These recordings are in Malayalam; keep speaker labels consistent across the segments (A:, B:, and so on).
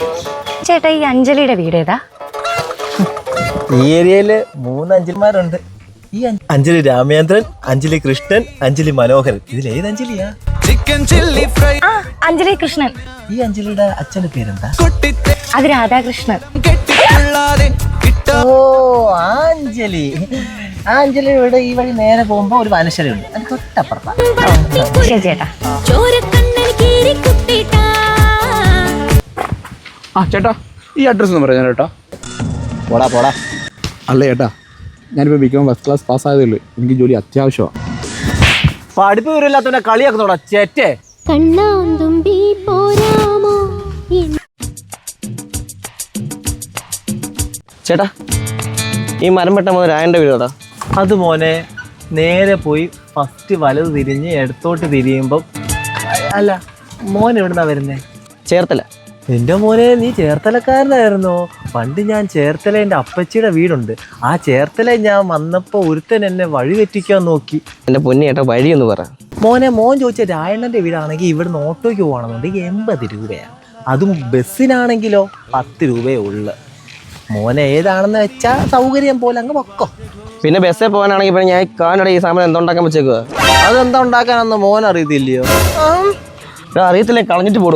A: ചേട്ടാ ഈ അഞ്ജലിയുടെ വീട് ഏതാ?
B: ഈ ഏരിയയില് 3 അഞ്ജലിമാരുണ്ട്. ഈ അഞ്ജലി രാമേന്ദ്രൻ, അഞ്ജലി കൃഷ്ണൻ, അഞ്ജലി മനോഹരൻ. ഇതിലേത് അഞ്ജലിയാ?
A: അഞ്ജലി കൃഷ്ണൻ.
B: ഈ അഞ്ജലിയുടെ അച്ഛന്റെ പേരെന്താ?
A: അത് രാധാകൃഷ്ണൻ.
B: ഓ അഞ്ജലി. ആ അഞ്ജലി ഇവിടെ ഈ വഴി നേരെ പോകുമ്പോ ഒരു വനശലുണ്ട്, അത് തൊട്ടപ്പുറത്താ.
A: ശരി ചേട്ടാ.
C: ചേട്ടാ ഈ അഡ്രസ് ഒന്ന് പറയാം ചേട്ടാ.
B: പോടാ പോടാ.
C: അല്ല ചേട്ടാ, ഞാനിപ്പോൾ ബികോം ഫസ്റ്റ് ക്ലാസ് പാസ്സായതേ ഉള്ളൂ. എനിക്ക് ജോലി അത്യാവശ്യമാണ്.
B: പഠിപ്പ് വരില്ലാത്തവനെ കളിയാക്കുന്നോടാ ചേറ്റേ.
D: ചേട്ടാ ഈ മരം വെട്ട മുതൽ രായൻ്റെ വീടാ.
B: അത് മോനെ നേരെ പോയി ഫസ്റ്റ് വലത് തിരിഞ്ഞ് ഇടത്തോട്ട് തിരിയുമ്പം. അല്ല മോൻ എവിടുന്നാ വരുന്നേ?
D: ചേർത്തല.
B: എൻ്റെ മോനെ നീ ചേർത്തലക്കാരനായിരുന്നോ? പണ്ട് ഞാൻ ചേർത്തല എൻ്റെ അപ്പച്ചിയുടെ വീടുണ്ട്. ആ ചേർത്തല ഞാൻ വന്നപ്പോൾ ഒരുത്തൻ എന്നെ വഴി തെറ്റിക്കാൻ നോക്കി.
D: എൻ്റെ പൊന്നി ചേട്ടാ വഴിയൊന്ന് പറ.
B: മോൻ ചോദിച്ച രായണ്ണൻ്റെ വീടാണെങ്കിൽ ഇവിടുന്ന് ഓട്ടോയ്ക്ക് പോകണമെന്നുണ്ടെങ്കിൽ 80 രൂപയാണ്. അതും ബസ്സിനാണെങ്കിലോ 10 രൂപയേ ഉള്ളു. മോനെ ഏതാണെന്ന് വെച്ചാൽ സൗകര്യം പോലെ അങ്ങ് പൊക്കോ.
D: പിന്നെ ബസ്സിൽ പോകാനാണെങ്കിൽ ഇപ്പം ഞാൻ കാനഡ ഈ സാധനം എന്തുണ്ടാക്കാൻ വെച്ചേക്കുക?
B: അതെന്താ ഉണ്ടാക്കാനൊന്നും മോൻ അറിയത്തില്ലയോ?
D: അറിയത്തില്ലേ, കളഞ്ഞിട്ട് പോടൂ.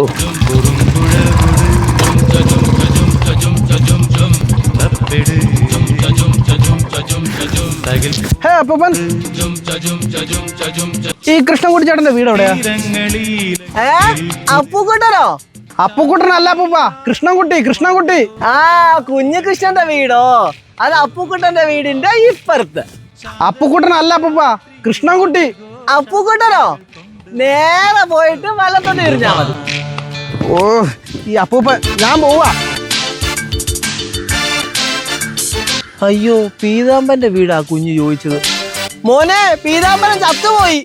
C: അപ്പൂപ്പൻ, ഈ കൃഷ്ണൻകുട്ടി ചേട്ടന്റെ വീട് എവിടെയാ?
B: അപ്പുക്കുട്ടനോ?
C: അപ്പുക്കുട്ടനല്ല അപ്പൂപ്പ, കൃഷ്ണൻകുട്ടി.
B: ആ കുഞ്ഞു കൃഷ്ണന്റെ വീടോ? അത് അപ്പുക്കുട്ടന്റെ വീടിന്റെ ഇപ്പുറത്ത്.
C: അപ്പുക്കുട്ടനല്ല അപ്പൂപ്പ, കൃഷ്ണൻകുട്ടി.
B: അപ്പുക്കുട്ടനോ? നേരെ പോയിട്ട് വലത്തോട്ട് തിരിഞ്ഞാ മതി.
C: ഓ ഈ അപ്പൂപ്പ, ഞാൻ പോവാ.
B: അയ്യോ പീതാമ്പന്റെ വീടാ കുഞ്ഞു ചോദിച്ചത്. മോനെ പീതാമ്പരൻ ചത്തുപോയി.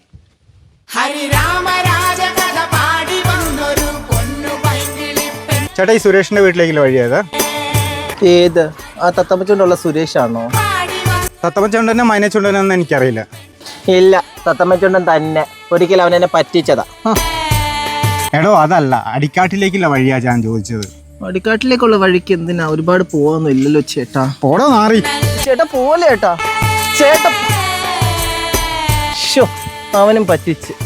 E: ചേട്ടാ ഈ സുരേഷിന്റെ വീട്ടിലേക്കുള്ള വഴിയായത്?
B: ഏത്? ആ തത്തമ്മച്ചുണ്ടുള്ള സുരേഷാണോ?
E: തത്തമ്മച്ചുണ്ടനോ മൈനച്ചുണ്ടനോ എനിക്കറിയില്ല.
B: ഇല്ല, തത്തമ്മച്ചുണ്ടൻ തന്നെ. ഒരിക്കലും അവൻ എന്നെ പറ്റിച്ചതാ.
E: എടോ അതല്ല, അടിക്കാട്ടിലേക്കുള്ള വഴിയാ ഞാൻ ചോദിച്ചത്.
B: അടിക്കാട്ടിലേക്കുള്ള വഴിക്ക് എന്തിനാ? ഒരുപാട് പോവാന്നും ഇല്ലല്ലോ ചേട്ടാ.
E: ഓടോ നാറി.
B: ചേട്ടാ പോലെ ചേട്ടാ. ചേട്ടാ അവനും പറ്റിച്ച്.